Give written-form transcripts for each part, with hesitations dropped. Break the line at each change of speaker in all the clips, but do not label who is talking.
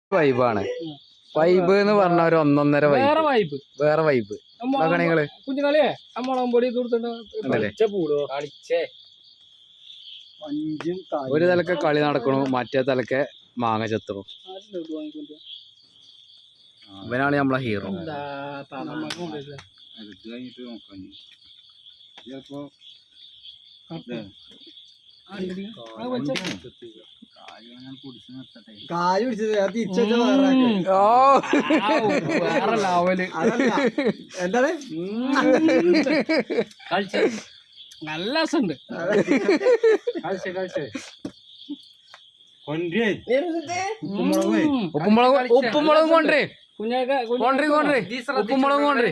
വൈബാണ്. വൈബ് എന്ന് പറഞ്ഞ ഒരു ഒന്നൊന്നര
വേറെ വൈബ്.
വേറെ വൈബ്. നിങ്ങള്
കുഞ്ഞുകളിയെ മുളകും പൊടി
ഒരു തലക്കെ കളി നടക്കണു, മറ്റേ തലക്കെ മാങ്ങ ചെത്തണു. ഇവനാണ് നമ്മളെ ഹീറോ.
കാല് പിടിച്ചത് എന്താണ്
നല്ല രസമുണ്ട്.
ഉപ്പുമുളകും കൊണ്ടേ ഉപ്പുമുളകും കൊണ്ടേ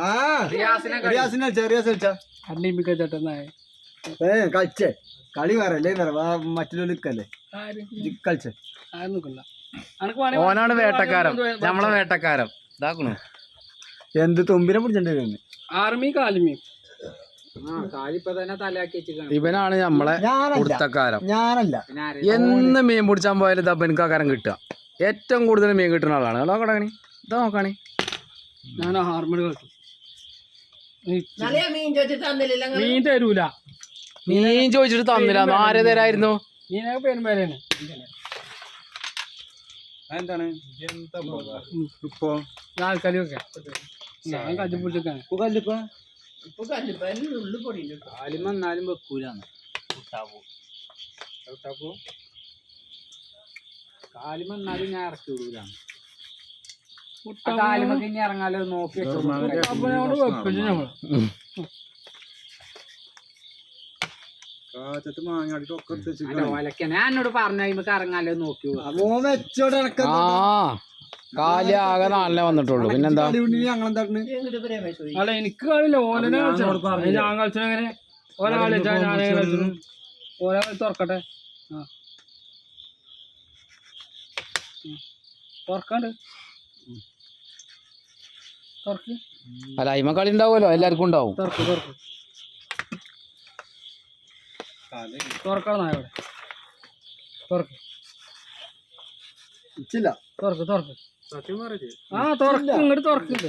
കളിച്ചേ കളി വേറല്ലേ മറ്റുള്ളവർക്കല്ലേ കളിച്ചേ.
ഓനാണ് വേട്ടക്കാരൻ, നമ്മളെ വേട്ടക്കാരൻ. ഇതാക്കണു
എന്ത് തുമ്പിനെ പിടിച്ചിട്ടുണ്ടായിരുന്നു.
ആർമി കാലിമി
ഇവനാണ് നമ്മളെ കുടുത്തക്കാരൻ.
ഞാനല്ല
എന്ന് മീൻ പിടിച്ചാൻ പോയാലും ഇതാ എനിക്കാക്കാരം കിട്ടുക. ഏറ്റവും കൂടുതൽ മീൻ കിട്ടുന്ന ആളാണ്. നോക്കണേ, ഇതാ നോക്കണേ.
ഞാൻ ഹാർമണി കളിച്ചു. മീൻ തരൂല.
മീൻ ചോദിച്ചിട്ട് തന്നില്ല. ആരെ തരായിരുന്നു?
മീനൊക്കെ പേരുമ്പേരാണ്.
എന്താണ്
ഇപ്പൊ ആൾക്കാരൊക്കെ ഞാൻ കജ്ജി പിടിച്ചൊക്കെയാണ്.
കാലിമെന്നാലും വെക്കൂലാണ്. കാലിമെന്നാലും ഞാൻ ഇറക്കി വിടൂലാണ്. കാലിമൊക്കെ ഇനി ഇറങ്ങാലോ നോക്കി
വെപ്പിച്ചു നമ്മള്.
ഞാൻ എന്നോട് പറഞ്ഞ ഇറങ്ങാലോ നോക്കി. കാലി ആകെ നാലിനെ വന്നിട്ടുള്ളൂ. പിന്നെന്താ?
അല്ല എനിക്ക് കളിയില്ല. ഓനെ ഞാൻ കളിച്ചെങ്ങനെ ഓരോ കളി വെച്ചാൽ ഞാനേ കളിച്ചു. ഓരോ കളി തുറക്കട്ടെ. തുറക്കാണ്ട് തുറക്ക്.
അല്ല അയിമ കളി ഉണ്ടാവുമല്ലോ, എല്ലാവർക്കും ഉണ്ടാവും.
തുറക്ക് തുറക്ക് തുറക്കണം. നായോടെ തുറക്ക് തുറക്ക് തുറക്ക്. ആ തുറക്ക്, ഇങ്ങോട്ട് തുറക്കുന്നുണ്ട്.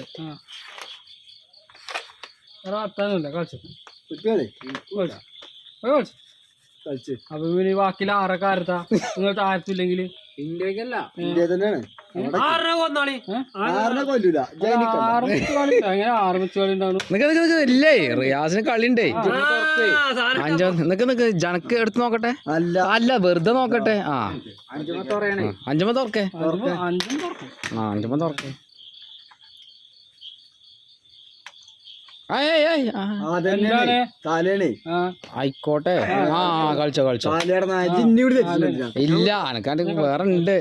അത്താനില്ല കളിച്ചു കളിച്ചു. അപ്പൊ പിന്നെ ബാക്കിയിൽ ആറൊക്കെ ആരത്താ നിങ്ങൾ താരത്തില്ലെങ്കിൽ
ഇന്ത്യക്കല്ല
അങ്ങനെ ആറ് കളി ഉണ്ടാവും.
ഇല്ലേ റിയാസിന് കളിണ്ടേ. നിക്ക് ജനക്ക് എടുത്ത് നോക്കട്ടെ. അല്ല വെറുതെ നോക്കട്ടെ. അഞ്ചുമ തുറക്കേ. അഞ്ചുമ തുറക്കേ. ആയിക്കോട്ടെ. കളിച്ചോ കളിച്ചോ. ഇല്ല എനക്കാണ്ട് വേറെ ഉണ്ട്.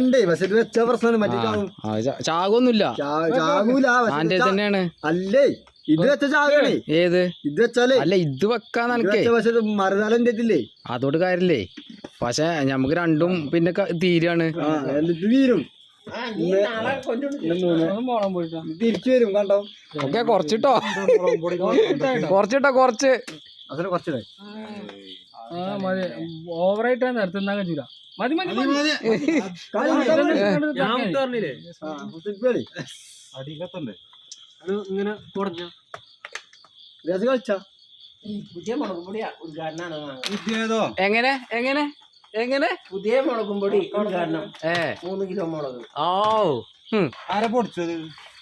ചാകൊന്നുമില്ല. ആന്റെ തന്നെയാണ്.
അല്ലേ ഇത് വെച്ച ചാകണേ.
ഏത്
ഇത് വെച്ചാലേ
അല്ല ഇത് വെക്കാന്ന് എനിക്ക്
മറുനാളെ
അതോട് കാര്യല്ലേ. പക്ഷെ ഞമ്മക്ക് രണ്ടും പിന്നെ തീരാണ്.
തീരും തിരിച്ചു വരും. കണ്ടോ
ഓക്കെ കുറച്ചിട്ടോ കുറച്ച്
ഓവറായിട്ട് നിർത്തുന്ന കഴിച്ചില്ല. മതി മതി ഇങ്ങനെ കുറഞ്ഞ
കളിച്ചാ
എങ്ങനെ എങ്ങനെ എങ്ങനെ
പുതിയ മുളകും പൊടി ഉദ്ഘാടനം 3 കിലോ മുളക്.
ഓ
ആരെ പൊടിച്ചത്?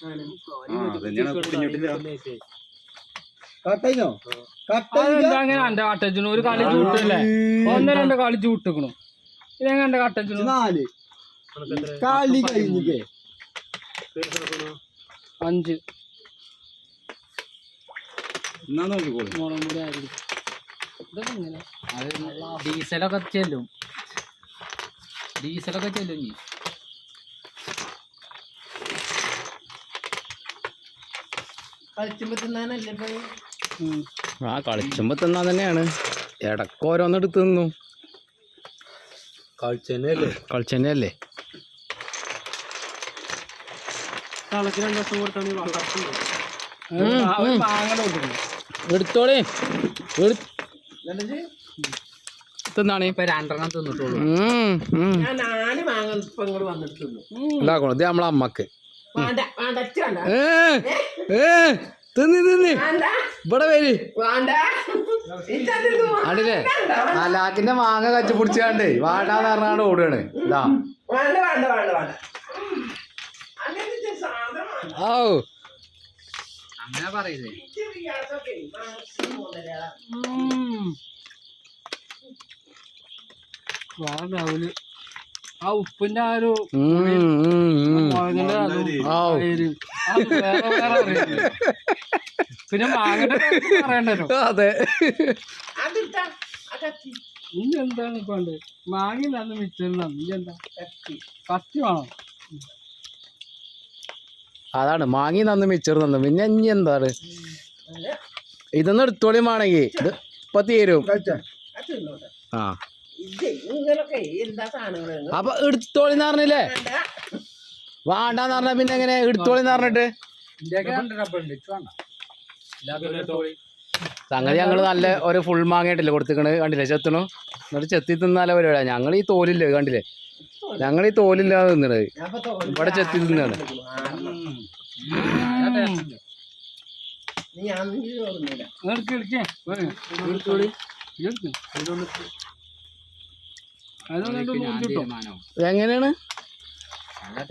അങ്ങനെ എന്റെ കട്ടച്ചിന് ഒരു കളി ചൂട്ടല്ലേ. 1-2 കളി ചൂട്ടിക്കണു. ഇതെങ്ങനെ എന്റെ കട്ടച്ചിന്
4 കളി കഴിഞ്ഞിട്ടേ
5
ഡീസലൊക്കെ ചെല്ലും. നീ കളിച്ചുമ്പോ തിന്നാൻ തന്നെയാണ്. ഇടക്ക് ഓരോന്നെടുത്ത് തിന്നു. കളിച്ചെന്നെയല്ലേ. എടുത്തോളേ തിന്നാണ്
ഇപ്പൊ 2 തിന്നിട്ടുള്ളൂ.
ഞാൻ 4 മാങ്ങ ഇപ്പൊ ഇങ്ങോട്ട് വന്നിട്ട് തിന്നു.
ഉണ്ടാക്കണം ഇത് നമ്മളെ അമ്മക്ക്
വേണ്ട വേണ്ട അച്ഛ വേണ്ട
തിന്നി
വേണ്ട
ഇവിടെ വരി
വേണ്ട ഇച്ചതിന്നു
ആണ്ടില്ലേ ആ ലാക്കിന്റെ മാങ്ങ കച്ചു പിടിച്ചാണ്ടേ വാടാന്ന് പറഞ്ഞാണ്ട് ഓടുകയാണ് ഇതാ
വേണ്ട വേണ്ട വേണ്ട വേണ്ട അങ്ങനത്തെ സാധനമാണ്.
ഓ
അങ്ങനെ പറയില്ലേ.
ഗ്യാസൊക്കെ മാക്സിമം മുതലാ.
വേറെ ആ ഉപ്പിന്റെ ആ ഒരു മുളകിന്റെ അത് വേറെ വേറെ അറിയില്ല. പിന്നെ മാങ്ങന്റെ പറയണ്ടല്ലോ.
അതെ
അതിട്ടാ അകത്തി
ഇനി എന്താണ് ഇപ്പൊ മാങ്ങ നന്ന് മിച്ചം ഇനി എന്താ കത്തി വേണം.
അതാണ് മാങ്ങി നന്ന് മിച്ചർ തന്നു പിന്നെ ഇനി എന്താണ് ഇതൊന്നും എടുത്തോളിയുമാണെങ്കിൽ ഇത് ഇപ്പൊ തീരും
തിന്നോട്ടെ.
ആ
ഇത് നിങ്ങളൊക്കെ എന്താ സാധനങ്ങൾ
അപ്പൊ എടുത്തോളിന്ന് പറഞ്ഞില്ലേ
വേണ്ട
വേണ്ടാന്ന് പറഞ്ഞ പിന്നെ എങ്ങനെ എടുത്തോളിന്ന് പറഞ്ഞിട്ട് സംഗതി ഞങ്ങള് നല്ല ഒരു ഫുൾ മാങ്ങയായിട്ടില്ലേ കൊടുത്തിക്കണ് കണ്ടില്ലേ ചെത്തണു എന്നിട്ട് ചെത്തി തിന്നാലേ പരിപാടിയാ. ഞങ്ങൾ ഈ തോലില്ലേ കണ്ടില്ലേ ഞങ്ങൾ ഈ തോലില്ലാതെ തിന്നണത് ഇവിടെ ചെത്തി തിന്നാണ്.
ഞാൻ ഓർമ്മയില്ല.
അതൊന്നും
എങ്ങനെയാണ്